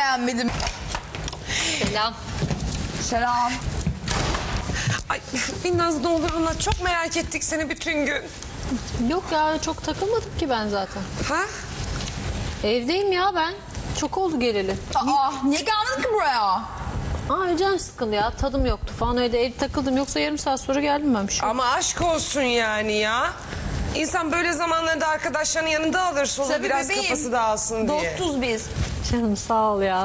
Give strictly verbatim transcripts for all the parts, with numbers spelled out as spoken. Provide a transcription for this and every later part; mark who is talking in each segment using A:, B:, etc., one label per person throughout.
A: beğenmedim.
B: Selam.
A: Selam.
C: Ay Binnaz ne olur anlat. Çok merak ettik seni bütün gün.
B: Yok ya çok takılmadım ki ben zaten.
C: Ha?
B: Evdeyim ya ben. Çok oldu geleli.
A: Aa, niye geldin ki buraya?
B: Aa canım sıkıldı ya. Tadım yoktu falan öyle ev takıldım. Yoksa yarım saat sonra geldim ben bir şey.
C: Ama aşk olsun yani ya. İnsan böyle zamanlarda arkadaşlarının yanında alır solu
A: Tabii
C: biraz
A: bebeğim.
C: kafası dağılsın diye.
A: Dostuz biz.
B: Canım sağ ol ya.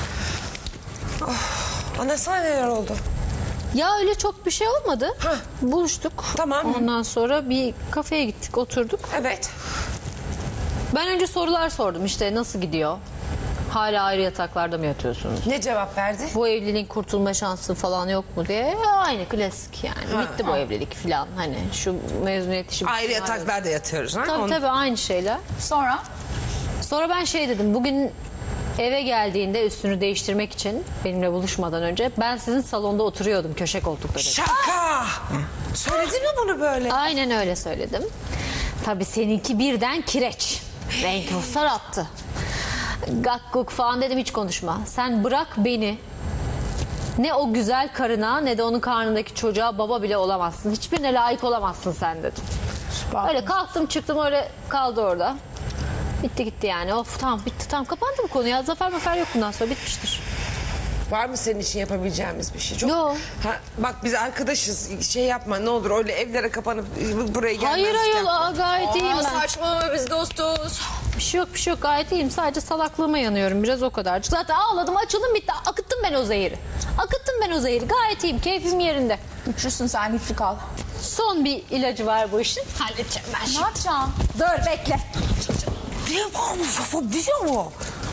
C: Anasına neler oldu?
B: Ya öyle çok bir şey olmadı.
C: Hah.
B: Buluştuk.
C: Tamam.
B: Ondan sonra bir kafeye gittik oturduk.
C: Evet.
B: Ben önce sorular sordum işte nasıl gidiyor? Hala ayrı yataklarda mı yatıyorsunuz?
C: Ne cevap verdi?
B: Bu evliliğin kurtulma şansı falan yok mu diye. Aynı klasik yani.
C: Ha.
B: Bitti bu evlilik falan. Hani şu mezuniyet işi.
C: Ayrı yataklarda yatıyoruz. Ha?
B: Tabii
C: Onu-
B: tabii aynı şeyler.
A: Sonra?
B: Sonra ben şey dedim. Bugün eve geldiğinde üstünü değiştirmek için benimle buluşmadan önce ben sizin salonda oturuyordum köşe koltukta dedim.
C: Şaka! Söyledin mi bunu böyle?
B: Aynen öyle söyledim. Tabii seninki birden kireç. Renk ruhsar attı. Gakkuk falan dedim hiç konuşma. Sen bırak beni. Ne o güzel karına ne de onun karnındaki çocuğa baba bile olamazsın. Hiçbirine layık olamazsın sen dedim. Öyle kalktım çıktım öyle kaldı orada. Bitti gitti yani. Of tamam bitti tamam kapandı bu konu ya. Zafer mafer yok bundan sonra bitmiştir.
C: Var mı senin için yapabileceğimiz bir şey? Çok...
B: Yok.
C: Ha, bak biz arkadaşız. Şey yapma ne olur öyle evlere kapanıp buraya gelmez.
B: Hayır hayır
C: yapma.
B: aa, gayet iyiyim
A: Aa,
B: ben.
A: saçmalama biz dostuz.
B: Bir şey yok bir şey yok gayet iyiyim. Sadece salaklığıma yanıyorum biraz o kadarcık. Zaten ağladım açıldım bitti. Akıttım ben o zehiri. Akıttım ben o zehiri. Gayet iyiyim keyfim yerinde.
A: Güçlüsün sen güçlü kal.
B: Son bir ilacı var bu işin. Halledeceğim ben
A: Ne
B: şimdi.
A: yapacaksın?
B: Dur bekle.
C: Diyor mu? Diyor mu?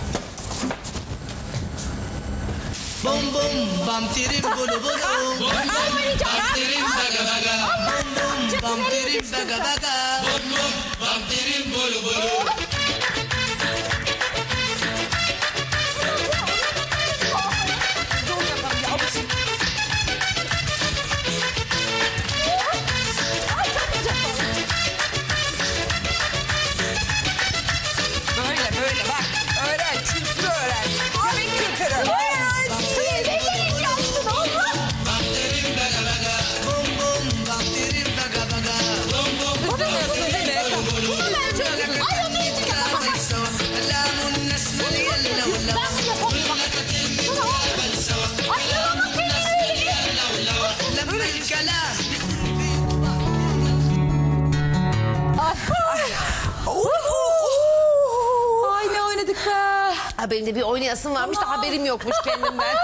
D: Bum bum bam tirim bulu bulu. Bum bum bam tirim baga baga. Bum bum bam tirim baga baga. Bum bum bam tirim bulu bulu.
C: Böyle böyle bak. Öğren. Kültürü öğren. Yemek kültürü.
D: Bam tirim baga baga. Bum bum bam tirim baga baga. Bum bum
C: Kızımıyorsun değil mi?
D: Lamun nasıl yalla wala. لما الكلام
A: Ay ne oynadık be.
C: Ha, benim de bir oynayasım varmış da haberim yokmuş kendimden.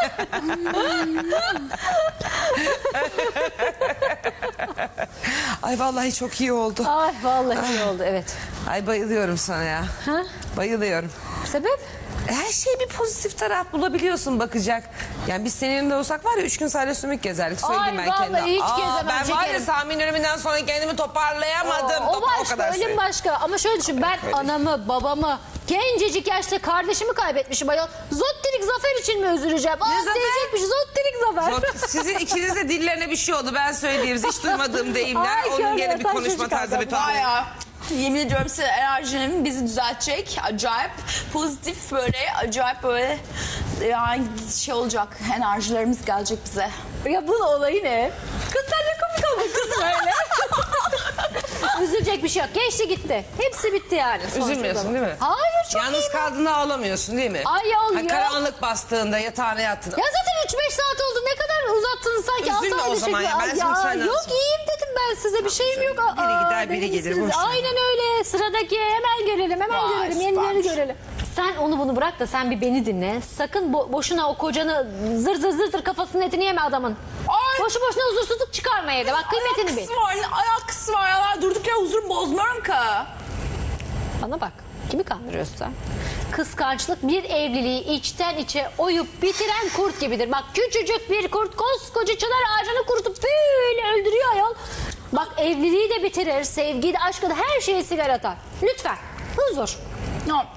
C: Ay vallahi çok iyi oldu.
B: Ay vallahi iyi oldu evet.
C: Ay bayılıyorum sana ya.
B: Ha?
C: Bayılıyorum.
B: Sebep?
C: Her şey bir pozitif taraf bulabiliyorsun bakacak. Yani biz senin yanında olsak var ya üç gün sadece sümük gezerdik söyleyeyim
B: Ay,
C: ben
B: vallahi
C: kendime.
B: hiç
C: Aa,
B: gezemem,
C: ben var ya
B: şekerim.
C: Sami'nin ölümünden sonra kendimi toparlayamadım.
B: O
C: Topa-
B: başka,
C: kadar
B: ölüm
C: söyleyeyim.
B: başka. Ama şöyle düşün, ben
C: Öyle.
B: anamı, babamı, gencecik yaşta kardeşimi kaybetmişim ayol. Zottirik Zafer için mi üzüleceğim? Aa
C: Zafer?
B: diyecekmiş, Zottirik Zafer.
C: Zor- Sizin ikiniz de dillerine bir şey oldu ben söyleyeyim. Hiç duymadığım deyimler.
B: Ay,
C: Onun
B: körler,
C: gene bir
B: taş
C: konuşma
B: çocuk
C: tarzı bir
B: adam.
C: tarzı.
A: Baya. Yemin ediyorum size enerjinin bizi düzeltecek. Acayip pozitif böyle acayip böyle yani şey olacak. Enerjilerimiz gelecek bize.
B: Ya bunun olayı ne? Kız sen ne komik oldun kız böyle. Üzülecek bir şey yok. Geçti gitti. Hepsi bitti yani. sonuç
C: Üzülmüyorsun
B: olarak.
C: değil mi?
B: Hayır çok
C: Yalnız
B: iyiyim.
C: kaldığında ağlamıyorsun değil mi?
B: Ay yol
C: Ha,
B: yok.
C: karanlık bastığında yatağına yattığında.
B: Ya zaten üç beş saat oldu. Ne kadar uzattınız sanki. altı
C: Üzülme o
B: ayda
C: zaman
B: çekiyor.
C: ya. Ben
B: Ay
C: şimdi senden
B: yok
C: sonra-
B: iyiyim dedim ben size. Bir şeyim yok. Aa,
C: Biri gider, biri
B: dediniz
C: gelir,
B: siz.
C: boş ver.
B: Aynen öyle. Sıradaki hemen görelim. Hemen
A: Vay,
B: görelim. Yenileri
A: süpermiş.
B: görelim. Sen onu bunu bırak da sen bir beni dinle. Sakın bo- boşuna o kocanı zır zır zır zır kafasının etini yeme adamın.
A: Ay.
B: Boşu boşuna huzursuzluk çıkarma evde. Bak kıymetini bil.
A: Alakası var, ne alakası var ya. Ben durduk yere huzur bozmuyorum ki.
B: Bana bak. Kimi kandırıyorsun sen? Kıskançlık bir evliliği içten içe oyup bitiren kurt gibidir. Bak küçücük bir kurt koskoca çınar ağacını kurutup böyle öldürüyor ayol. Bak evliliği de bitirir, sevgiyi de aşkı da her şeyi sigara atar. Lütfen huzur.
A: Ya,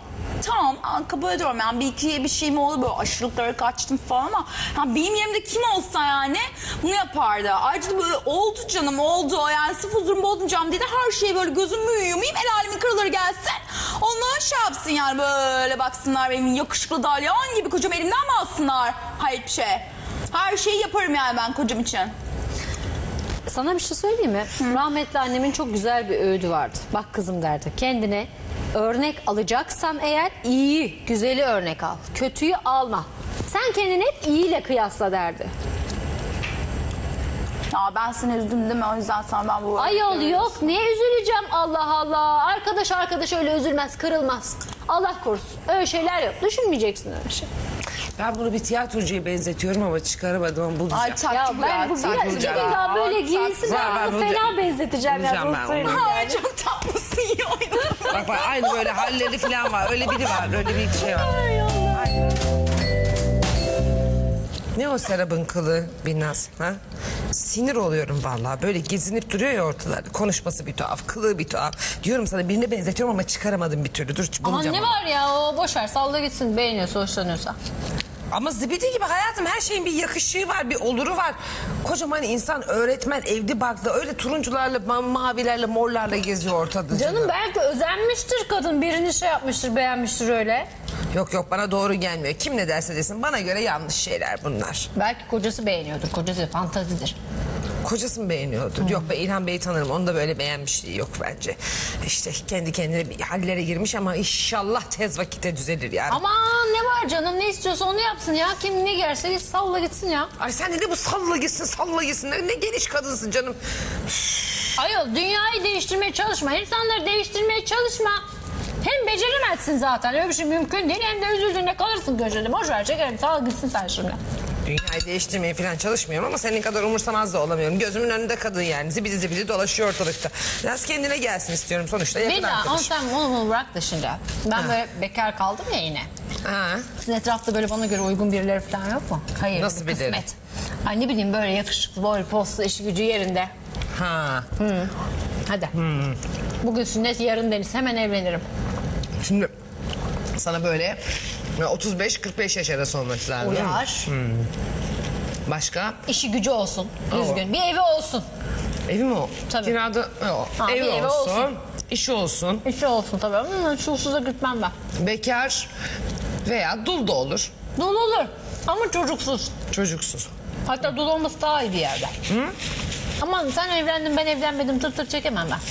A: tamam kabul ediyorum yani bir iki bir şeyim oldu böyle aşırılıklara kaçtım falan ama yani benim yerimde kim olsa yani bunu yapardı. Ayrıca da böyle oldu canım oldu yani sırf huzurumu bozmayacağım diye de her şeyi böyle gözümü yumayım el alemin kraları gelsin. Onlar şey yapsın yani böyle baksınlar benim yakışıklı dalyan gibi kocam elimden mi alsınlar? Hayır bir şey. Her şeyi yaparım yani ben kocam için.
B: Sana bir şey söyleyeyim mi? Rahmetli annemin çok güzel bir öğüdü vardı. Bak kızım derdi. Kendine örnek alacaksan eğer iyi, güzeli örnek al. Kötüyü alma. Sen kendini hep iyiyle kıyasla derdi.
A: Ya ben seni üzdüm değil mi? O yüzden sana ben bu...
B: Ayol yok. Niye üzüleceğim? Allah Allah. Arkadaş arkadaş öyle üzülmez, kırılmaz. Allah korusun. Öyle şeyler yok. Düşünmeyeceksin öyle şey.
C: Ben bunu bir tiyatrocuya benzetiyorum ama çıkaramadım ama bulacağım.
A: Ay taktı
B: Ya
A: bu
B: ben
A: ya.
B: bu
A: taktı
B: biraz
A: bu
B: gidin
A: ya.
B: daha böyle
A: Ay,
B: giyinsin.
C: Var,
B: Ben
C: var,
B: onu
C: bulacağım.
B: fena benzeteceğim ya.
C: Bulacağım
B: Bunu
C: ben onu.
B: söyleyeyim
A: Ay
B: yani.
A: çok tatlısın ya.
C: Bak bak aynı böyle halleri falan var. Öyle biri var. Öyle bir şey var.
B: Ay Allah.
C: Ne o Serap'ın kılı Binnaz? Ha? Sinir oluyorum vallahi. Böyle gezinip duruyor ya ortalarda. Konuşması bir tuhaf, kılığı bir tuhaf. Diyorum sana birine benzetiyorum ama çıkaramadım bir türlü. Dur
B: Aman
C: bulacağım
B: ne
C: onu.
B: var ya o boş ver salla gitsin beğeniyorsa hoşlanıyorsa.
C: Ama zibidi gibi hayatım her şeyin bir yakışığı var, bir oluru var. Kocaman insan, öğretmen, evli barklı öyle turuncularla, ma- mavilerle, morlarla geziyor ortada.
B: Canım belki özenmiştir kadın birini şey yapmıştır beğenmiştir öyle.
C: Yok yok bana doğru gelmiyor. Kim ne derse desin bana göre yanlış şeyler bunlar.
B: Belki kocası beğeniyordur kocası fantazidir.
C: Kocası mı beğeniyordu? Yok be İlhan Bey'i tanırım. Onu da böyle beğenmişliği yok bence. İşte kendi kendine bir hallere girmiş ama inşallah tez vakitte düzelir yani.
B: Aman ne var canım ne istiyorsa onu yapsın ya. Kim ne gerse git salla gitsin ya.
C: Ay sen de ne bu salla gitsin salla gitsin. Ne, ne geniş kadınsın canım.
B: Ayol dünyayı değiştirmeye çalışma. İnsanları değiştirmeye çalışma. Hem beceremezsin zaten öyle bir şey mümkün değil. Hem de üzüldüğünde kalırsın köşede. Boş ver çekerim sal gitsin sen şimdi.
C: Dünyayı değiştirmeye falan çalışmıyorum ama senin kadar umursamaz da olamıyorum. Gözümün önünde kadın yani zibidi zibidi dolaşıyor ortalıkta. Biraz kendine gelsin istiyorum sonuçta yakın
B: Beda ama
C: arkadaş.
B: sen onu, bunu bırak da şimdi. Ben böyle bekar kaldım ya yine.
C: Ha.
B: Sizin etrafta böyle bana göre uygun birileri falan yok mu? Hayır.
C: Nasıl
B: bir
C: birileri?
B: kısmet. Ay ne bileyim böyle yakışıklı, boy, postlu, işi gücü yerinde.
C: Ha.
B: Hadi. Bugün sünnet, yarın deniz. Hemen evlenirim.
C: Şimdi sana böyle otuz beş kırk beş yaş arası olması lazım. değil mi?
B: Uyar.
C: Başka?
B: İşi gücü olsun.
C: Oo.
B: Düzgün. Bir evi olsun.
C: Evi mi o?
B: Tabii.
C: Kirada yok.
B: Ha,
C: Evi
B: bir evi
C: olsun,
B: olsun.
C: işi olsun.
B: İşi olsun tabii. Ama çulsuza gitmem ben.
C: Bekar veya dul da olur.
B: Dul olur. Ama çocuksuz.
C: Çocuksuz.
B: Hatta dul olması daha iyi bir yerde. Hı? Aman sen evlendin ben evlenmedim tır tır çekemem ben.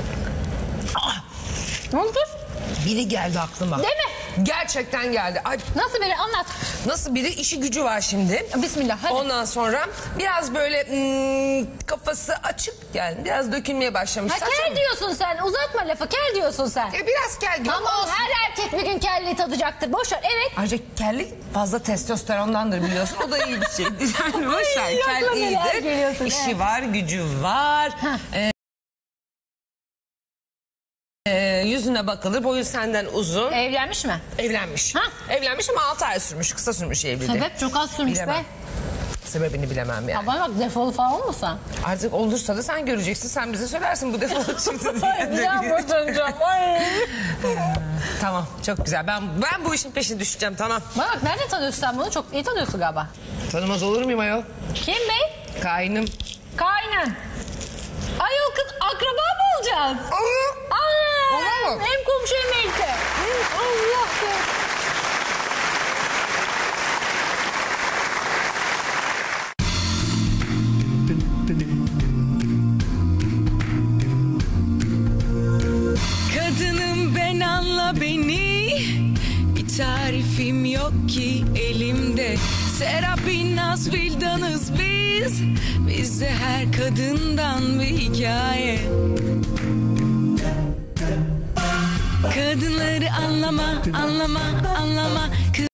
B: Aa, ne oldu kız?
C: Biri geldi aklıma.
B: Değil mi?
C: Gerçekten geldi. Ay,
B: Nasıl biri anlat.
C: nasıl biri işi gücü var şimdi.
B: Bismillah hadi.
C: Ondan sonra biraz böyle hmm, kafası açık yani biraz dökülmeye başlamış.
B: Ha
C: Saçma
B: kel
C: mı?
B: diyorsun sen. Uzatma lafı kel diyorsun sen.
C: E, biraz kel gibi
B: Tamam
C: olsun.
B: her erkek bir gün kelliği tadacaktır. Boş ver evet.
C: Ayrıca kellik fazla testosterondandır biliyorsun. O da iyi bir şeydir. Yani boş ver.
B: Ay,
C: Kel
B: aklıma neler
C: iyidir.
B: geliyorsun,
C: İşi
B: evet.
C: var, gücü var. Ee, e, yüzüne bakılır. Boyu senden uzun.
B: Evlenmiş mi?
C: Evlenmiş.
B: Ha?
C: Evlenmiş ama altı ay sürmüş. Kısa sürmüş evliliği.
B: Sebep çok az sürmüş
C: Bilemem.
B: be.
C: Sebebini bilemem yani.
B: Ha bana bak defolu falan olmasa.
C: Artık olursa da sen göreceksin. Sen bize söylersin bu defol çıktı diye.
B: Bir daha boşanacağım. Ay.
C: Tamam çok güzel. Ben ben bu işin peşine düşeceğim tamam.
B: Bana bak nereden tanıyorsun sen bunu? Çok iyi tanıyorsun galiba.
C: Tanımaz olur muyum ayol?
B: Kim bey?
C: Kaynım.
B: Kaynın. Ayol kız akraba mı olacağız?
C: Olur.
B: Aa,
C: Olur mu?
B: hem komşu hem elti. Allah be.
E: Kadınım ben anla beni, bir tarifim yok ki elimde. Serap Binnaz Vildanız biz, bizde her kadından bir hikaye. Kadınları anlama, anlama, anlama.